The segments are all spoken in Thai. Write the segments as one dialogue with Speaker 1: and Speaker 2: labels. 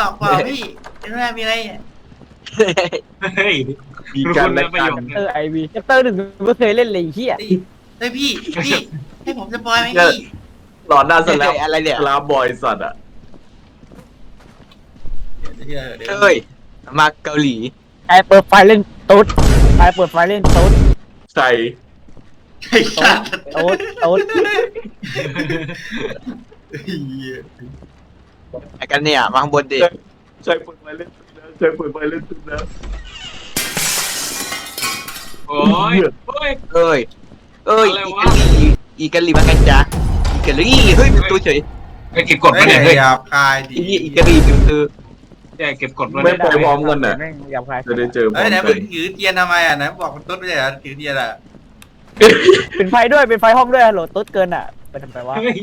Speaker 1: เปล่าพี่ไม่ได้มีอะไร
Speaker 2: เฮ้ย
Speaker 3: มีการแลกกัน
Speaker 4: ไอวีแชปเตอร์หนึ่งไม่เคยเล่นเลยเฮีย
Speaker 1: เฮ้ยพี่ให้ผมสปอยไหมพี่
Speaker 3: หลอนหน้าสลับ
Speaker 5: อะไรเนี่ย
Speaker 3: สลับบอยสัตว์อ่ะ
Speaker 1: เดี๋ยว
Speaker 5: เฮ้ยมาเกาหลี
Speaker 4: ไอเปิดไฟเล่นตุ๊ดไอเปิดไฟเล่นตุ๊ด
Speaker 3: ใส่
Speaker 1: ไอ้สัตว์
Speaker 4: ตุ๊ดตุ๊ด
Speaker 5: ไอ้กันเนี่ยมาข้างบนดิ
Speaker 3: ใส่ปืนไปเล่นตึกนะใส่ปืนไปเล่นตึกนะ
Speaker 2: โอ้ยโอ้ย
Speaker 5: เอ้ยอีกาลีมากันจ้ะอีกาลีเฮ้ยตัวเฉย
Speaker 2: ไปเก็บกด
Speaker 1: ไม่
Speaker 2: มา
Speaker 1: ได้
Speaker 2: เนี่ยเฮ้ย
Speaker 1: หยาบคายดิ
Speaker 5: อีกาลีคือ
Speaker 2: แกเก็บกดมา
Speaker 3: ไม่
Speaker 2: เนี่ย
Speaker 3: ไปพร้อมกันน่ะ
Speaker 4: แม่งอยากใคร
Speaker 3: จะได้เจอพร้
Speaker 1: เฮ้
Speaker 3: อย ม
Speaker 1: ไหน
Speaker 3: กั
Speaker 1: มึ
Speaker 3: น
Speaker 1: งถือเทียนทำไมอ่ะไหนบอกมันต้นไม่ใช่เหรอถือเทียนอ่ะ
Speaker 4: เป็นไฟด้วยเป็นไฟห้องด้วยโหลดตุ๊ดเกินอ่ะไปทำไมวะ
Speaker 2: เฮ้ย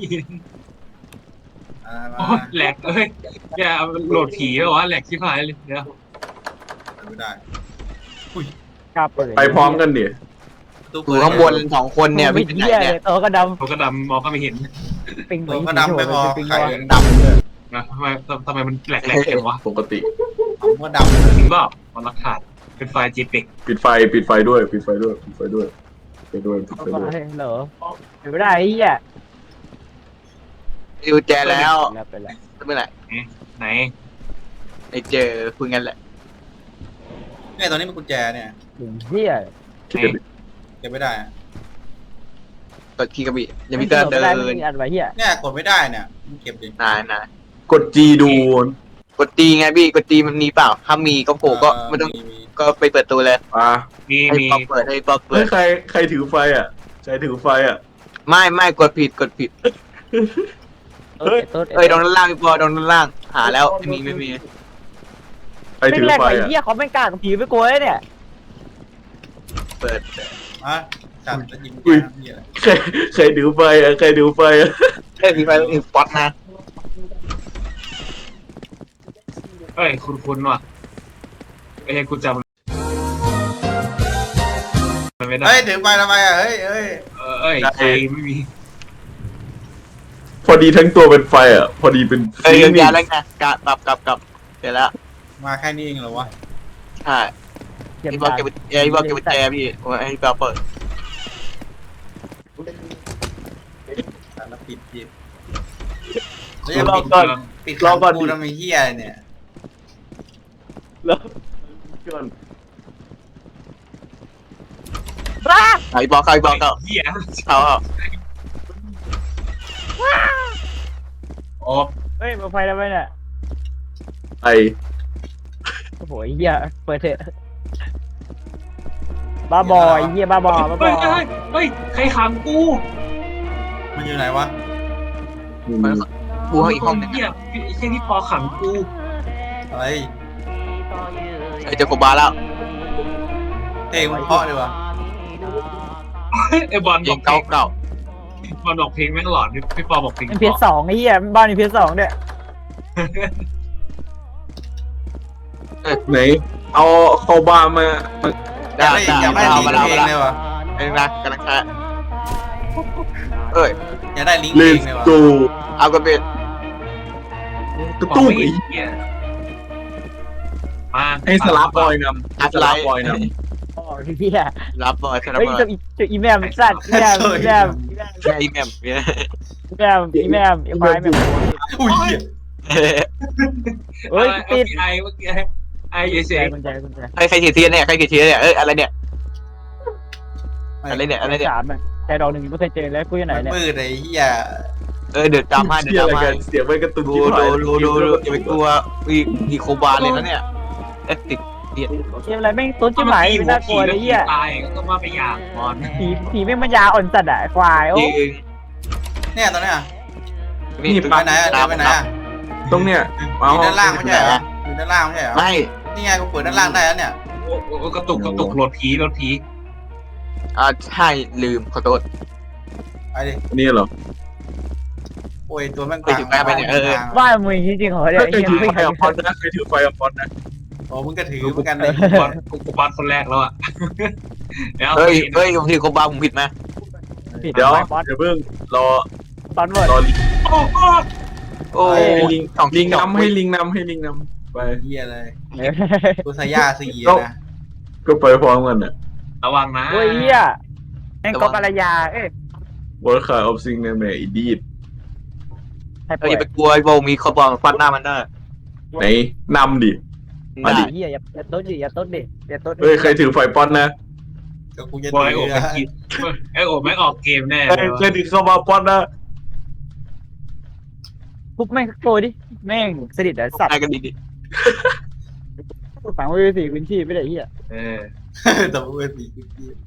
Speaker 2: โอ้ยแหลกเอ้ยแกโหลดผีแล้ววะแหลกชิบหายเลยเดี๋ยว
Speaker 1: ไม่ได้
Speaker 4: กล้าเปิด
Speaker 3: ไปพร้อมกันดิ
Speaker 5: อยู่ข้างบน2คนเนี่ย
Speaker 4: วิ่
Speaker 5: วิ่
Speaker 4: ง
Speaker 5: งไปไหน
Speaker 4: เฮียเล
Speaker 5: เนี่ย
Speaker 4: ยโตก็ด
Speaker 2: เขาก็ดำมองก็ไม่เห็น
Speaker 4: ำปิง
Speaker 1: ตัวก็ดำไม่พอ
Speaker 4: ปิง
Speaker 1: ไข่
Speaker 4: วะ
Speaker 1: ดำเลย
Speaker 2: นะทำไมมันแหลกจังวะ
Speaker 3: ปกติ
Speaker 1: ผมก็ดำเลย
Speaker 2: จริงเปล่ามันรักขาดเป็นไฟล์ JPEG
Speaker 3: ปิดไฟด้วยปิดไฟด้วยปิดไฟด้วยปิดไฟด้วยปิดไฟด้วย
Speaker 4: เหรอเป็นไม่ได้ไอ้เฮีย
Speaker 5: อยู่แจแล้ว
Speaker 4: แล้วไปแล้ว
Speaker 5: เมื่อไหร่
Speaker 2: ไหน
Speaker 5: ไอ้เจอคุยกันแหละ
Speaker 1: เนี่ยตอนนี้มันกุญแจเนี่ย
Speaker 4: ถึงเฮีย
Speaker 1: เก็บไม่ได้
Speaker 5: กดคีย์กระบี่ยังมีเดิน
Speaker 4: ไม่ได้ไม่มีอันไว้เฮีย
Speaker 1: เนี่ยกดไม่ได้เนี่ยมึงเก็บดิ
Speaker 5: นาย
Speaker 3: กด G ดู
Speaker 5: กดตีไงพี่กดตีมันมีเปล่าถ้ามีก็โผล่ก็ไม่ต้องก็ไปเปิดตัวเลย
Speaker 3: อ่ะ
Speaker 2: มี
Speaker 5: ให้
Speaker 2: มี
Speaker 5: ป๊อปเปิดให้ป๊อปเปิ
Speaker 3: เฮ้ย
Speaker 5: ด
Speaker 3: ใครถือไฟอ่ะใครถือไฟอ่ะ
Speaker 5: ไม่กดผิด
Speaker 3: เฮ้ย
Speaker 4: ตุ๊ด
Speaker 5: เอ้ยตรงด้านล่างพี่ปอตรงด้านล่างหาแล้วไม่มี
Speaker 3: ใคร
Speaker 4: ไม่
Speaker 3: ถือ
Speaker 4: แรก
Speaker 3: ไฟ
Speaker 4: ไอ้
Speaker 3: อ่ะ
Speaker 4: เฮียเขาไม่กล้ากับผีไปกลัวเลยเนี่ย
Speaker 5: เปิด
Speaker 1: อ่ะจับจะยิงแกนี่อะไร
Speaker 3: ใครถือไฟอ่ะใครถือไฟอ่ะ
Speaker 5: เอ้ยมีไฟมีป๊อตนะ
Speaker 2: เฮ้ยคุณว่ะไอ้กูจำไม่ได้
Speaker 1: เฮ้ยถือไปทำไมอ่ะเฮ้ย
Speaker 2: เอ้ยใครไม่มี
Speaker 3: พอดีทั้งตัวเป็นไฟอ่ะพอดีเป็น
Speaker 5: เอ้ยยาวแล้วไงกลับเสร็จแล้ว
Speaker 1: มาแค่นี้เองเหรอวะ
Speaker 5: ใช่
Speaker 4: เก็บ
Speaker 5: พี่บอกเก็บพี่บอกเก็บแจพี่ไอ้พี่บอกเปิด
Speaker 1: แล้วปิดแล้วยังปิดขังกูทำไมเฮียเนี่ย
Speaker 3: แล้วก่อน
Speaker 4: บ้า
Speaker 5: ไอ้บอกเขา
Speaker 2: เหี้ย
Speaker 5: เขา
Speaker 2: โอ้
Speaker 4: เฮ้ยมาไฟแล้วไหมเนี่ย
Speaker 3: ไอ
Speaker 4: โอ้โหเฮียเปิดเถอะบ้าบอยเฮียบ้าบอ
Speaker 2: เฮ้ยใครขังกู
Speaker 1: มันอยู่ไหนวะ
Speaker 5: บูเขาอีกห้องนึง
Speaker 2: เหี้ยไอ้แค่ที่ปอขังกู
Speaker 1: อะไร
Speaker 5: ไอ้เจอโคบาแล้ว
Speaker 1: เพลงมันเพราะเลยวะ
Speaker 2: ไอ้บอล
Speaker 5: เพ
Speaker 2: บ
Speaker 5: ล
Speaker 2: อง ก
Speaker 5: เก่า
Speaker 2: บอลบอกเพลงแม่งหลอนพี่ปอบอกเพลง
Speaker 4: เป็นเพียสองไอ้เฮียบ้านเป็นเพียสองเนี่ย
Speaker 3: ไหนเอาเข้าบ้านมา
Speaker 5: ได้
Speaker 1: อยากได้ลิงก์เพลงเลยวะ
Speaker 5: ไอ้นะกำลังแค่เอ้ย
Speaker 1: อยากได้ลิงก์เพ
Speaker 3: เล
Speaker 1: ลง
Speaker 3: ส
Speaker 1: เลยวะ
Speaker 3: โก
Speaker 5: เอากระเบ็ด
Speaker 3: กระตุ้ม
Speaker 2: มา
Speaker 3: ให้สลับบอยนำสลับบอยน
Speaker 4: โอ้ยเฮีย
Speaker 5: รับบอยสนับ
Speaker 4: เฮ้ย
Speaker 5: บอย
Speaker 4: จะอีแมมสัตว์อีแมม
Speaker 5: ไอ้แมมเนี่ย
Speaker 4: อีแมมอีควายแมม
Speaker 1: อุ้ยเหี้ย
Speaker 4: เฮ้ยติด
Speaker 2: เมื่อกี้ไอ้เฉย
Speaker 4: กุญแจ
Speaker 5: ใครขีดเทียนเนี่ยใครขีดเทียนเนี่ยเอ้ยอะไรเนี่ยอะไรเนี่ยอะไรเนี่ย
Speaker 4: สามใจดอกหนึ่งไม่เคยเจอแล้วกูอยู่ไหน
Speaker 1: มัน
Speaker 4: เนี่ย
Speaker 1: มืดไอ้เหี้ย
Speaker 5: เดือดตามมา
Speaker 3: ำ
Speaker 5: เดือดตามมา
Speaker 3: เสียงไปกระตุ้น
Speaker 5: ดู
Speaker 3: ที่ผ่าน
Speaker 5: อย่าไปกลัวมีโคบาเลยนะเนี่ยติดเดียด
Speaker 4: เกมอะไรแม่งต้นจิ้มไหลไม่น่ากลัวเลยเฮีย
Speaker 2: ตายก็มาไปอย่างบอล
Speaker 4: ผีแม่งมันยาอ่อนจัดอ่ะควายโอ้
Speaker 5: จริง
Speaker 1: เนี่ยตอนเนี้ย
Speaker 5: นี่
Speaker 1: ไปไหนอะเดินไปไหนอะ
Speaker 3: ตรงเนี้ย
Speaker 1: อยู่ด้านล่างไม่ใช่เหรออยู่ด้านล่างไม่ใช่เหรอ
Speaker 5: ไม่
Speaker 1: นี่ไงกูเปิดด้านล่างได้แล้วเนี่ย
Speaker 2: กระตุกโหลดผี
Speaker 5: ใช่ลืมขอโทษ
Speaker 1: ไปดิ
Speaker 3: นี่เหรอ
Speaker 1: โอ้ยตัวแม่ง
Speaker 4: ว่ามึงจริงๆเหรอเนี่ย
Speaker 3: ใครถือไฟอพอดนะใครถือไฟอพอดนะ
Speaker 1: โอ้มึงก็ถือเหมือนกันเลย
Speaker 2: บอลกูบอลคนแรกแล้วอ่ะ
Speaker 5: เฮ้ยผมถือโคบาผมผิดไหม
Speaker 4: ผิด
Speaker 3: เดี๋ยว
Speaker 4: บอส
Speaker 3: เดี๋ยวเพิ่งรอ
Speaker 4: ตอนเวิร์ด
Speaker 3: รอลิ
Speaker 2: โอ้โห
Speaker 5: โอ้
Speaker 3: ให้ลิง
Speaker 5: สอง
Speaker 3: ลิง
Speaker 5: สอง
Speaker 3: นำให้ลิงนำให้ลิงนำไป
Speaker 1: เฮียเลยกูสายาสีนะ
Speaker 3: ก็ไปพร้อมกันอ่ะ
Speaker 2: ระวังนะ
Speaker 4: โอ้ยเฮียแม่งกบกระยาเอ้ย
Speaker 3: วอลคาออฟซิงในแม่อีดีด
Speaker 4: ให้
Speaker 5: เอ
Speaker 4: ป่
Speaker 5: อ
Speaker 4: วย
Speaker 5: อย่าไปกลัวไอ้โบมีคอปองฟันหน้ามันได้
Speaker 3: ไหนนำดิ มาดิ
Speaker 4: เฮียอย่าต้นดิอย่าต้นดิอย่าต้นดิ
Speaker 3: เฮ้ยใครถือไฟป้อนนะ
Speaker 1: ก็กูจะ
Speaker 2: บอย
Speaker 1: ดี
Speaker 2: โอบ
Speaker 1: นะ
Speaker 2: ไม่กินไอโอบไม่ออกเกมแน่
Speaker 3: ใคร
Speaker 2: เลย
Speaker 3: ใครถือเข้ามาป้อนนะ
Speaker 4: ปุ๊บแม่งโกยดิแม่งสนิทไอ้สัตว์
Speaker 5: ได้กันดี
Speaker 4: ฝังไว้สี่พื้นที่ไม่ได้เฮีย
Speaker 2: เออ
Speaker 1: แต่กูเป็นสีกู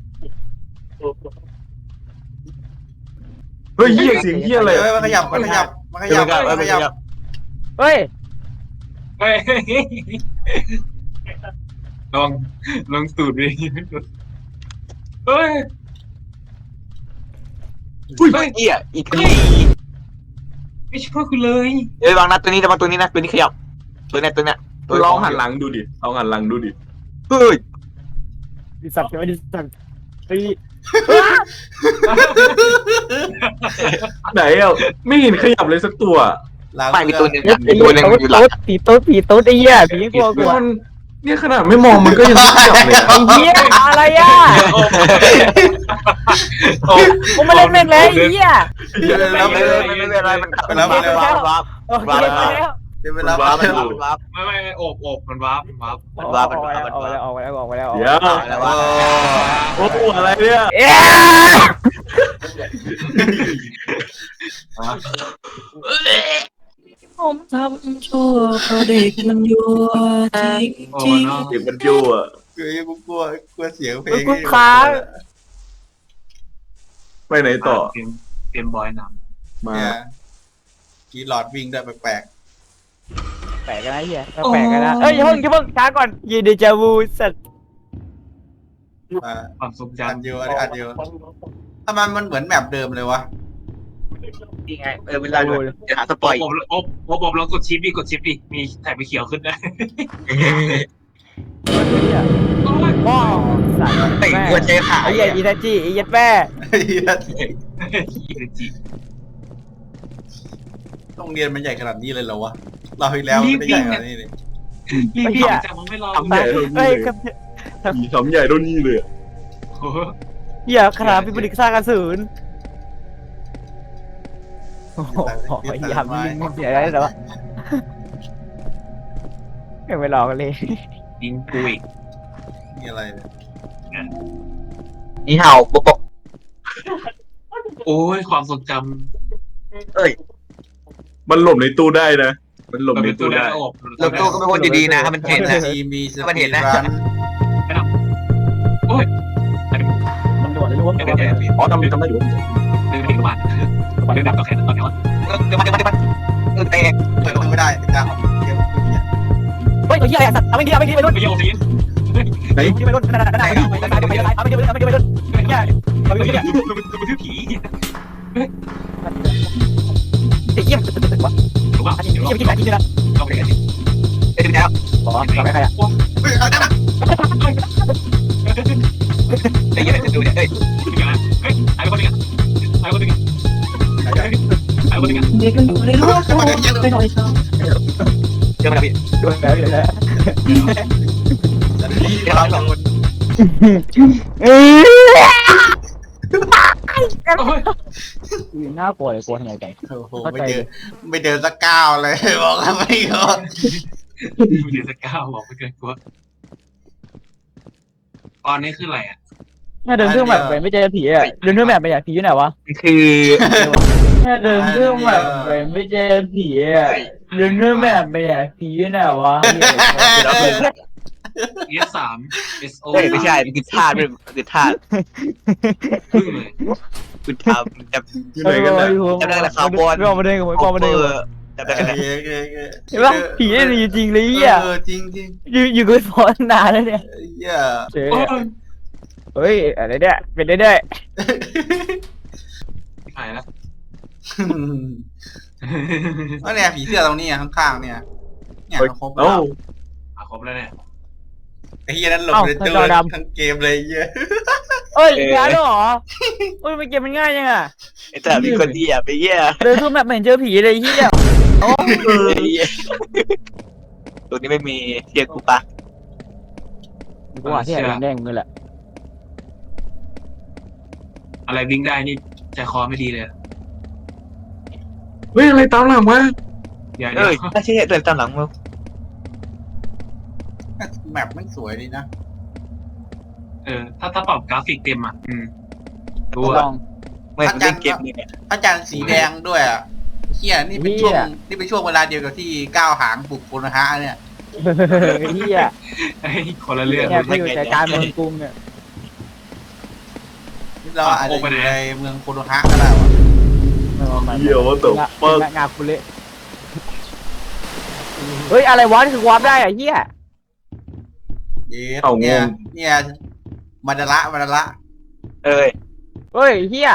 Speaker 3: เฮ้ยเหี้ยเสียงเหี้ยอะไร
Speaker 1: เฮ้ยมันขยับมันขยับมันข
Speaker 5: ๆเดี๋ยว
Speaker 1: ยับ
Speaker 5: มันก็
Speaker 1: มันขยับ
Speaker 4: เฮ้ย
Speaker 2: เฮ้ยลองลองสูตรดิเฮ้ย
Speaker 3: อุ้ย
Speaker 5: เฮ้ยเหี้ยอีกที
Speaker 2: ไม่ช่วยคุณเลย
Speaker 5: เฮ้ยวางนะตัวนี้ระวังตัวนี้นะตัวนี้ขยับตัวเนี้ยตัวเนี้ยตัว
Speaker 3: ลองหันหลังดูดิลองหันหลังดูดิ
Speaker 5: เฮ้ย
Speaker 4: ดิสัตว์ใช่ไหมดิสัตว์ไอ้
Speaker 3: ไหนอ่ะไม่เห็นขยับเลยสักตัว
Speaker 5: ไม่มีตัวหนึ่ง
Speaker 4: เหี้ย
Speaker 5: มีตัวหนึ่งอยู่หลัง
Speaker 4: ผีตุ๊ดผีตุ๊ดไอ้เหี้ยผีกลัวกลัว
Speaker 3: มันเนี่ยขนาดไม่มองมันก็ยังไม่ขยับเลยอะ
Speaker 4: ไอ้เหี้ยอะไรอ่ะ
Speaker 2: โอ้
Speaker 4: กูไม่เล่นแม่งเลยไอ้เหี้ย
Speaker 1: แล้ว
Speaker 5: ไม่เป็นไรมันวาบ
Speaker 4: โอเคไปแล้ว
Speaker 1: เดี๋ยวเวลา
Speaker 5: วาบวาบ
Speaker 2: ไม่โอบมันวาร์ปมันวาร์ป
Speaker 4: ออกไปแล้วออกไปแล้วออกไปแล้ว
Speaker 3: เดี๋ยว
Speaker 5: แล้ววาบ
Speaker 3: โอ้โหอะไรเนี่ย
Speaker 4: เอ๊ะ
Speaker 6: ผมทำชั่วเพราะเด็กมันยั่วจริง
Speaker 2: โอ้
Speaker 6: จริง
Speaker 2: เนาะ
Speaker 3: เด็กมันยั่ว
Speaker 1: กูกลัวเสียงเพลง
Speaker 4: กูค้าง
Speaker 3: ไปไหนต่อ
Speaker 2: เกมบอยน
Speaker 3: มา
Speaker 1: เนี่ยกีหลอดวิ่งได้แปลก
Speaker 4: แปลกกันนะเหี้ยแปลกกันนะเอ้ยอย่าเพิ่งช้าก่อนยีเดจาวูสัตว์
Speaker 1: ๆมา
Speaker 2: ำความทรง
Speaker 1: อัน
Speaker 2: จำ
Speaker 1: เดียวอันเดียวทำไมมันเหมือนแมปเดิมเลยวะ
Speaker 5: นี่ไงเวลาดูเดี๋ยวหาสปอย
Speaker 2: อบลองกดชิปดิมีแถบไปเขียวขึ้นได้
Speaker 4: ว้าวสัตว์
Speaker 5: เตะหัวใจหา
Speaker 4: ไอ้
Speaker 5: ย
Speaker 4: เหี้ยอีทัจิไอ้เหี้ยแม่
Speaker 1: โรงเรียนมันใหญ่ขนาดนี้เลยเหรอวะเราอีกแล้วไม่ได้ใหญ่ขนาดนี้เลย
Speaker 2: รีบจังมันไม่รอ
Speaker 3: ทำใหญ่เท่า
Speaker 4: เฮ้
Speaker 3: นี้
Speaker 4: ย
Speaker 3: เลย
Speaker 4: ครับ
Speaker 3: มีทำใหญ่เท่านี้เลยอะ
Speaker 4: เหี้ยขนาดเป็นผลิตสร้างกระสุนโอ้โหยามยิงเสียได้แล้วยังไม่รอกันเลย
Speaker 2: ยิงกูอีก
Speaker 1: นี่อะไรเนี่ย
Speaker 5: นี่เห่าปก
Speaker 2: โอ้ยความทรงจ
Speaker 5: เอ้ย
Speaker 3: มันหลบในตู้ได้นะ มันหล
Speaker 2: ำ
Speaker 3: บ
Speaker 2: มัน
Speaker 3: ใน
Speaker 2: เป็นตัว
Speaker 3: ตู้
Speaker 2: แร
Speaker 3: ได้
Speaker 2: กอบ
Speaker 5: แล้วตัวก็เป็นคนดีๆนะถ้ามันเห็นนะ
Speaker 1: ทีมีส
Speaker 5: มัน
Speaker 1: ปี
Speaker 5: เห็
Speaker 1: ด
Speaker 5: นนะ
Speaker 1: รัน
Speaker 4: มันโดดเลยรู้ว่ามันโดด
Speaker 3: อ๋อทำได้อยู่
Speaker 2: ดึงมาดึงดับกับแค่ตอนนี้
Speaker 5: เดี๋ยวมันเตะ
Speaker 1: เปิดไม่ได้จ้าเกมเนี่ย
Speaker 4: เฮ้ยเหี้ยสัตว์เอาไม่ดีเอาไม่ดีไปรุ่น
Speaker 2: ไม่โยนสิ
Speaker 3: ไหน
Speaker 4: ไปรุ่นนั่นเอาไม่ดีไปรุ่นเนี่ยเอาไม่ดี
Speaker 2: มันคือผี
Speaker 4: ไอ้เหี้ยวะ
Speaker 2: ถูกป่ะ
Speaker 4: อันนี้
Speaker 2: เดี๋ยว
Speaker 4: เหี้ยกินอะไรกินอะไร
Speaker 2: เราไปกันดิ
Speaker 5: เดี๋ยวแล้ว
Speaker 4: อ๋อทำให้ใครอ่ะ
Speaker 1: เฮ้ยเอาได้นะ
Speaker 5: ไอ้เหี้ยจะดูเนี่ยเฮ้ย
Speaker 2: เฮ้ยหายไปคนนึงหายไปคนนึงหายไปคนนึง
Speaker 6: เด็กมันอยู่ในโลกไปหน่อยเถอะ
Speaker 5: เดี๋ยวมาพี่
Speaker 4: โดนแล้วแล้ว
Speaker 1: แต่ที่เราสองคน
Speaker 4: น่ากลัวเลยกลัวทำไมกัน
Speaker 1: โอ้โหไม่เดินสักก้าวเลยบอกแล้วไม่ก็
Speaker 2: เดี๋ยวจะก้าวบอกไปเกินกลัวตอนนี้คืออะไรอ่ะ
Speaker 4: เดินเครื่องแบบไปไม่เจอผีอ่ะเดินเครื่องแบบไปอ่ะผีอยู่ไหนวะ
Speaker 5: คือ
Speaker 4: เดินเครื่องแบบไปไม่เจอผีอ่ะเดินเครื่องแบบไปอ่ะผีอยู่ไหนวะ
Speaker 2: ES3 SO
Speaker 5: เฮ้ยไม่ใช่มันคือธาตุคือธาตุ
Speaker 2: พึ่งเลย
Speaker 5: คือทำจำ
Speaker 3: อยู่ไหนกันนะ
Speaker 5: จำได้แหละคาร์บอน
Speaker 4: ไม่เอามาเดินกับผมไม่เอามาเดิน
Speaker 5: จำได้กันนะ
Speaker 4: เห็นปะผีนี่มีจริงเลยอ่ะ
Speaker 1: จริงจริง
Speaker 4: อยู่กับฟอนนานแล้วเนี่ย
Speaker 1: เหี้ย
Speaker 4: เจ๊เฮ้ยอะไรเนี่ยเป็นได้
Speaker 2: หายแล้ว
Speaker 1: ว่าเนี่ยผีเสื้อตรงนี้ข้างๆเนี่ยเนี่ยครบแล้
Speaker 3: เอ้าว
Speaker 2: ครบแล้วเนี่ย
Speaker 1: ไอ้เหี้ยนั้นหลบในตู้ทั้งเกมเลยเหี้ย
Speaker 4: เอ้ยงานเหรอเอ้ยมันเกมมันง่ายยังอ่ะ
Speaker 5: ไอ้แต่มีคนดีอ่ะไปเยี่ย
Speaker 4: เดินทั่วแบบไม่เห็นเจอผีเลยเฮีย
Speaker 5: โอ้ยตัวนี้ไม่มีเทียกูปะ
Speaker 4: กูว่าที่ไหนแดงๆมึงแหละ
Speaker 2: อะไรวิ่งได้นี่ใจคอไม่ดีเลย
Speaker 3: เฮ้ยอะไรตามหลังวะ
Speaker 2: เดี๋ยว
Speaker 5: เอ้ยถ้าใช่เดินตามหลังมึง
Speaker 1: แมปมันสวยดีนะ
Speaker 2: ถ้าปรับกราฟิกเต็มอ่ะดู
Speaker 4: ล
Speaker 2: อ่ะ
Speaker 4: อง
Speaker 5: ไม่เล่นเกมนี่เนี่ย
Speaker 1: พระจันทร์สีแดงด้วยอ่ะเฮียนี่เป็นช่วงนี่เป็นช่วงเวลาเดียวกับที่ก้าวหางปลุกโคโนฮะเนี่ย
Speaker 4: เฮีย
Speaker 2: ไอ้คนละเรื่อง
Speaker 4: แค่ไปอยู่ใจกลางเมืองกรุงเนี่ย
Speaker 1: เราอาจจะอยู่ในเมืองโคโนฮะก็ได้วะ
Speaker 3: เหี้ยว่าตัวเปิด
Speaker 4: งาคุเละเฮ้ยอะไรวะนี่คือวาร์ปได้อะเฮีย
Speaker 1: เยสเนี่ยมาดาระ
Speaker 5: เอ้ย
Speaker 4: เฮ้ยเฮีย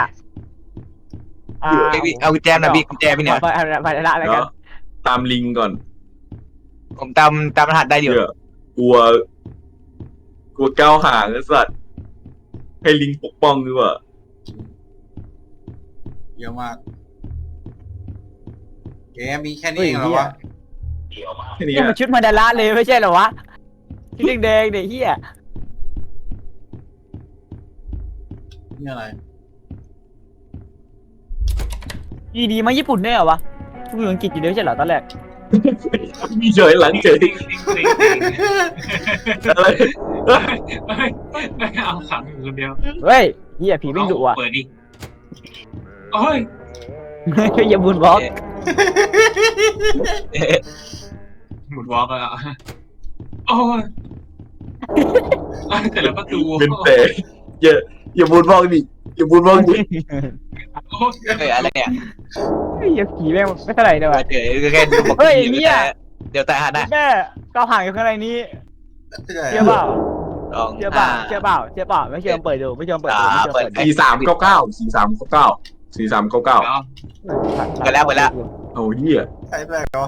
Speaker 5: เอากุญแจหน่อยพี่กุญแจพี่เนี่ย
Speaker 4: ไปละอะไรกัน
Speaker 3: ตามลิงก่อน
Speaker 5: ผมตามรหัสได้อยู่
Speaker 3: เดี๋ยวกลัวก้าวห่างไอ้สัตว์ให้ลิงปกป้องดีกว่า
Speaker 1: เยอะมากแกมีแค่นี้เองเหรอวะ
Speaker 3: แค่นี้
Speaker 4: นี่มันชุดมาดาระเลยไม่ใช่เหรอวะชุดแดงๆเนี่ยเฮีย
Speaker 1: นี่อะไร
Speaker 4: ดีมาญี่ปุ่นได้เหรอวะพูดอังกฤษอยู่เดียวใช่เหรอตอนแรก
Speaker 3: มีเฉยหลังเฉยอะไร
Speaker 2: เอาขังอยู่คนเดียว
Speaker 4: เฮ้ยเฮียผีวิ่งดุว่ะ
Speaker 2: เปิดดิโอ้ย
Speaker 4: อย่าบุญบล็อก
Speaker 2: หมุนวอล์กแล้วโอ้ยแต่ละประตู
Speaker 3: เป็นแต่อย่าบูนบ้องดิอย่าบูนบ้องดิ
Speaker 2: โอ้ย
Speaker 5: เอ้ยอะไรเนี่ย
Speaker 4: อย่าผีแม่งไม่เท่าไหร่เลยว่ะ
Speaker 5: เดี๋ยวแค่ดูบอก
Speaker 4: เฮ้ยเนี่ย
Speaker 5: เดี๋ยวแต่หันนะ
Speaker 4: แม่ก้าวห่างอยู่ข้างในนี้เชื่อเปล่า
Speaker 5: สอง
Speaker 4: เชื่อเปล่าเชื่อเปล่าเชื่อเปล่าไม่เชื่อเปิดดูไม่เชื่อเปิดดูไม่เชื่อเปิดดู
Speaker 3: 4399
Speaker 2: แล้ว
Speaker 5: เปิดแล้ว
Speaker 3: โอ้เหี้ย
Speaker 1: ใช่ไหมเหรอ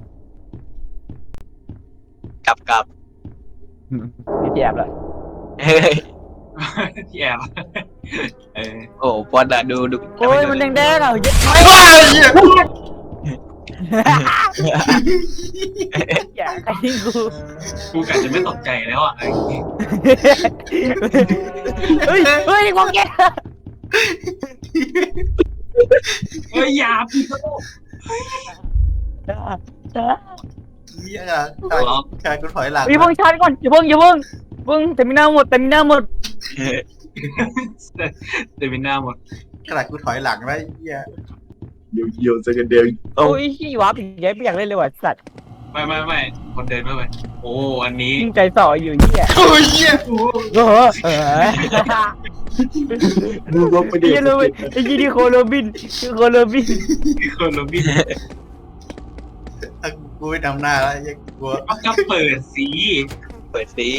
Speaker 5: กลับ
Speaker 4: นี่แอบเลย
Speaker 5: เฮ้ย
Speaker 2: ที่แอบ
Speaker 5: โอ้ปอนอะดู
Speaker 4: โอ้ยมันแดงๆอ่ะยึดไม่
Speaker 1: ไอ้เหี้ย
Speaker 4: อย่าไอ้กู
Speaker 2: กูกะจะไม่ตกใจแล้วอ่ะ
Speaker 4: เฮ้ยเฮ้ยกองแก
Speaker 2: เฮ้ยอย่าพี่โต
Speaker 1: เหี้ยชายกูถอยหลัง
Speaker 4: อย่าเพิ่งชาร์จก่อนอย่าเพิ่งแต่มีหน้าหมด
Speaker 2: เต็มหน้าหมด
Speaker 1: ขนาดกูถอยหลังได้เหี้ย
Speaker 3: เดี๋ยวจะกันเดียว
Speaker 4: โอ้ยขี้วาร์ปอีกแย่ไม่อยากเล่นเลยว่ะสัตว์
Speaker 2: ไม่คนเดินไม่ไปโอ้อันนี้
Speaker 4: ยิ่งใจส่ออยู่เหี้ย
Speaker 1: โอ้ยเหี้ย
Speaker 4: โอ้โห
Speaker 3: ดูรถไปดิ
Speaker 4: ไอ้โรบินไอ้ยี่ดีโคโรบิน
Speaker 2: คนโรบิน
Speaker 1: กูไม่ทำหน้าแล้วยังกลัว
Speaker 2: ก็เปิดสี
Speaker 5: เปิดซี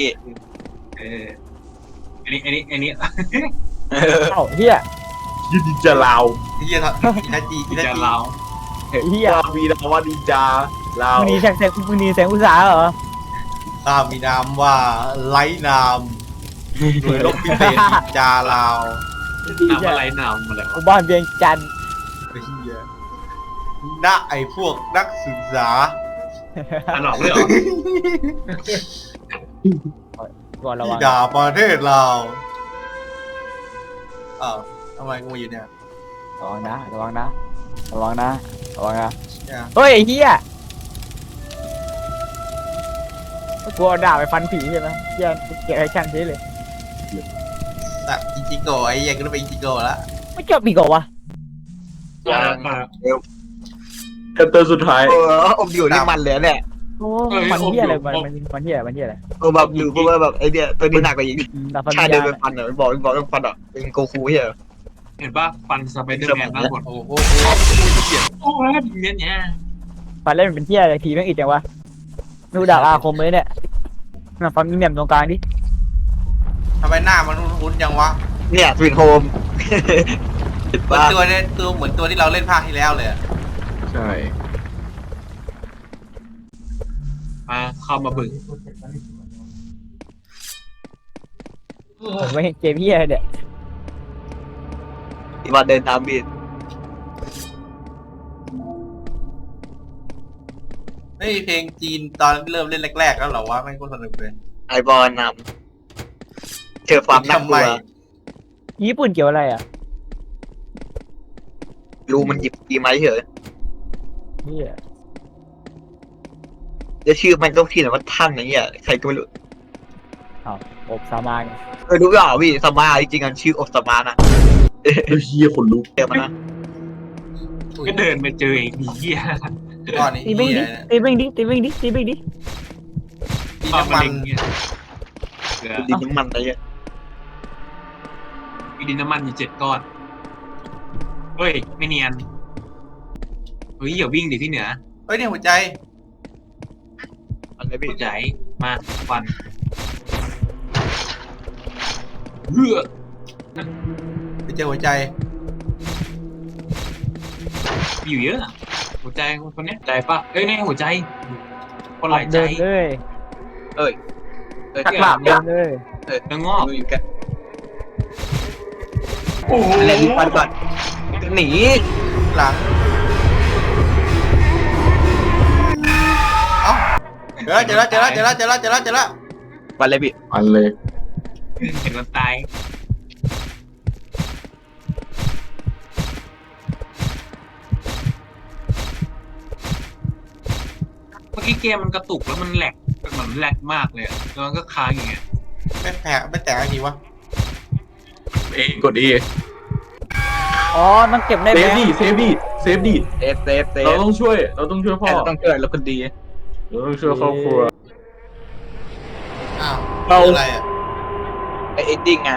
Speaker 2: อันนี้
Speaker 4: เอ้าเหี้ย
Speaker 3: ยินดีจะลาว
Speaker 1: เหี้ยทันจี
Speaker 2: จะเรา
Speaker 4: เหี้ย
Speaker 3: ว่ามีนะว่าดีจาลาว
Speaker 4: มึงหนีแสงอุตสาหเหรอ
Speaker 1: ข้ามีนามว่าไร้นามโดยลบพิเศษจาลาว
Speaker 2: น้ำอะไรหนาวมาแล้ว
Speaker 4: กูบ้านเวียงจันทร์
Speaker 1: ไอ้เหี้ยณไอ้พวกนักศึกษา
Speaker 2: อันหลอกเลยเหรอ
Speaker 4: ก่อนระ
Speaker 1: ที่
Speaker 4: วัง
Speaker 1: ด่าประเทศเราอ้าวทำไมกูอยู่เนี่ย
Speaker 4: ระวังนะ
Speaker 1: เนี่ย
Speaker 4: เฮ้ยไอ้เหี้ยกูเอาดาบไปฟันผีใช่ไหมเหี้ยเกลียดไอ้ช่างใช่เลย
Speaker 1: สัตว์อิจิโกะไอ้เหี้ยกูต้องเป็นอิจิโกะละ
Speaker 4: ไม่เกี่ยวปีกเหรอวะ
Speaker 3: คัตเตอร์สุดท้าย
Speaker 5: อมอยู่นี่มันเลยเนี่ย
Speaker 4: โอ้มันเหี้ยอะไรมันเหี้ยอะไร
Speaker 5: แบบอยู่เพราะว่าแบบไอเดียตัวนี้หนักกว่าอีก
Speaker 4: ดาบฟัน
Speaker 5: ชา
Speaker 4: วิญ
Speaker 5: เดิน
Speaker 4: ญาณ
Speaker 5: ไปฟันอ่ะบอกต้องฟันอ่ะเป็นโกคูเหี้ย
Speaker 2: เห็นป่ะฟันสไปเดอร์แมนทั้งหมด
Speaker 1: โอ้โห
Speaker 2: โอ้ยเนี่ย
Speaker 4: ฟันเล่นเป็นเหี้ยอะไรผีแม่งอีกจังวะดูดาบอาคมเลยเนี่ยน่ะฟันมีแหม่มตรงกลางดิ
Speaker 1: ทำไมหน้ามันคุ้นๆยังวะ
Speaker 5: เนี่ยสวีทโฮม
Speaker 1: เหมือนตัวเนี่ยเหมือนตัวที่เราเล่นภาคที่แล้วเลยอะ
Speaker 3: ใช่
Speaker 2: มาเข้ามาบึ้ง
Speaker 4: ผมไม่เห็นเกมเหี้ยเนี่ย
Speaker 5: ที่ว่าเดินตามบีด
Speaker 1: ไม่มีเพลงจีนตอนเริ่มเล่นแรกๆแล้วเหรอวะไม่ก็สนุกเลย
Speaker 5: ไอบอลนำเจอความน่ากลัว
Speaker 4: ญี่ปุ่นเกี่ยวอะไรอ่ะ
Speaker 5: รู้มันหยิบตีไม้เฉย
Speaker 4: เหี้ย
Speaker 5: แล้วชื่อมันต้องที่ไหนว่าท่านอะไรเงี้ยใครก็ไม่รู้
Speaker 4: อ้าวอบสามาน
Speaker 5: รู้เปล่าพี่สมาจริงๆกันชื่ออสมานะ
Speaker 3: เฮียคนลุก
Speaker 5: เดี๋ยวมันนะ
Speaker 2: ก็เดินไปเจอไอ้เหี้ย
Speaker 1: ก้อนนี้
Speaker 4: ตีเบ้งดิตีเบ้งดิตีเบ้งดิตีเบ้งดิ
Speaker 1: ตี
Speaker 2: ตอน
Speaker 1: น้ำ
Speaker 2: มั
Speaker 1: มัน น
Speaker 2: เงี้ยเหลือ
Speaker 5: ดินน้ำมันอะไรเงี้ย
Speaker 2: มีดินน้ำมันอยู่7 ก้อนเฮ้ยไม่เนียนเฮ้ยอย่าวิ่งดิพี่เหนือ
Speaker 1: เฮ้ยเนี่ยหัวใจ
Speaker 5: อะไรพี่
Speaker 2: ใจมาฟันเฮ้อ
Speaker 1: ไปเจอหัวใจ
Speaker 2: มีอยู่เยอะอะหัวใจคนเนี้ยใจปะเอ้ยนี่หัวใจคนหลายใจ
Speaker 4: เดินเลย
Speaker 5: ทักหลาบ
Speaker 4: เดิ
Speaker 5: เนี่ย
Speaker 4: นเลย
Speaker 2: เนื้องอก
Speaker 5: ดูอยู่แก
Speaker 2: โอ้โห
Speaker 5: อะไรรีบฟันก่อนหนี
Speaker 1: หลังเอ้าเจอแล้ว
Speaker 5: ฟันเลยพี่
Speaker 3: อันเลย
Speaker 2: เห็นมันตายเมื่อกี้เกมมันกระตุกแล้วมันแหลกเหมือนแหลกมากเลยอะแล้วมันก็ค้างอย่างเงี้ย
Speaker 1: ไม่แตกอะไรทีวะ
Speaker 3: กด A
Speaker 4: อ๋อมันเก็บได้
Speaker 3: เซ
Speaker 4: ไหม
Speaker 3: ฟดิเซฟดิเซฟดิ
Speaker 5: เซฟ
Speaker 3: เราต้องช่วยพ่อ
Speaker 5: ต้องเกิดแล้วคนดี
Speaker 3: เราต้องช่วยครอบครัว
Speaker 1: อ้าว
Speaker 3: เรา
Speaker 1: อะไรอ่ะ
Speaker 5: ไอเอ็ดดิ้งไง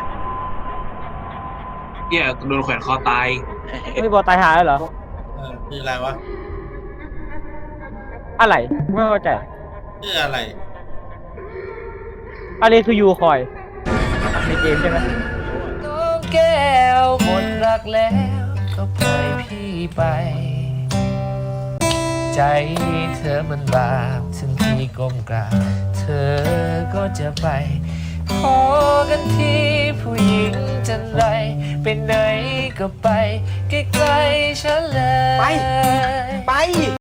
Speaker 2: เนี่ยโดนแขวนคอตาย
Speaker 4: ไม่บอลตายหาแล้วเหรอ
Speaker 1: คืออะไรวะ
Speaker 4: อะไรไม่เข้าใจ
Speaker 1: คืออะไร
Speaker 4: อะไรคือยูคอยในเกมใช่ไหม
Speaker 6: น้องแก้วหมดรักแล้วก็ปล่อยพี่ไป ใจเธอมันบาปถึงพี่ก้มกราบเธอก็จะไป ขอกันทีผู้หญิงจันไรไปไหนก็ไปใกล้ๆฉันเลย
Speaker 5: ไป